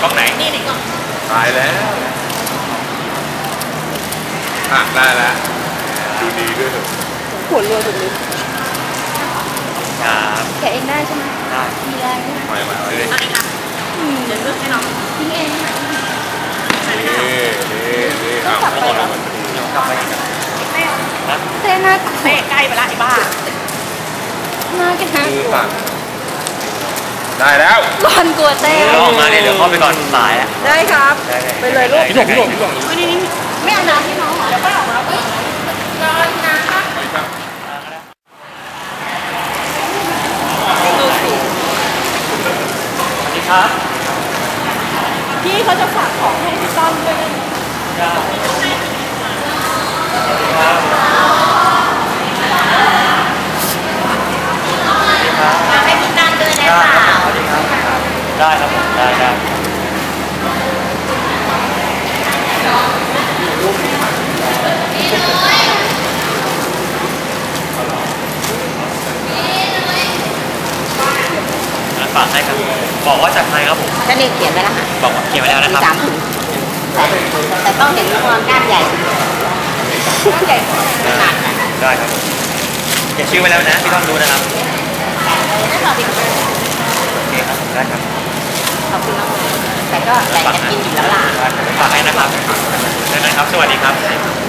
กล้องไหนนี่ในกล้องตายแล้วได้แล้วดูดีด้วยเถอะหัวรัวสุดเลยครับแกเองได้ใช่ไหมได้มีแรงไหมมาเลยเอาเลยค่ะเดี๋ยวเลือกให้น้องทิ้งเองไหมนี่เอากลับไปเหรอเดี๋ยวกลับไปอีกนะเต้น่าเต้ใกล้ไปละไอ้บ้าน่าแกน่ากลัวได้แล้วร้อนกลัวเต้ลองมาเนี่ยเดี๋ยวเข้าไปก่อนสายแล้วได้ครับไปเลยลูกพี่หลงนี่ไม่เอาน้ำให้น้องเหรอเดี๋ยวค่อยออกมาแล้วร้อนน้ำครับดูสิสวัสดีครับพี่เขาจะฝากของให้พี่ต้อมด้วยนะมาให้พี่ตั้งด้วยนะคะสวัสดีครับได้ครับผมได้ฝากให้ครับบอกว่าจากใครครับผมก็เรียกเขียนไว้แล้วค่ะบอกเขียนไว้แล้วนะครับ 3 ถุงแต่ต้องเห็นความก้านใหญ่ก้านใหญ่ขนาดนั้นได้ครับเขียนชื่อไว้แล้วนะที่ต้องดูนะครับได้ขอบคุณโอเคครับได้ครับขอบคุณมากแต่ก็แต่จะกินอยู่แล้วล่ะฝากให้นะครับได้ไหมครับสวัสดีครับ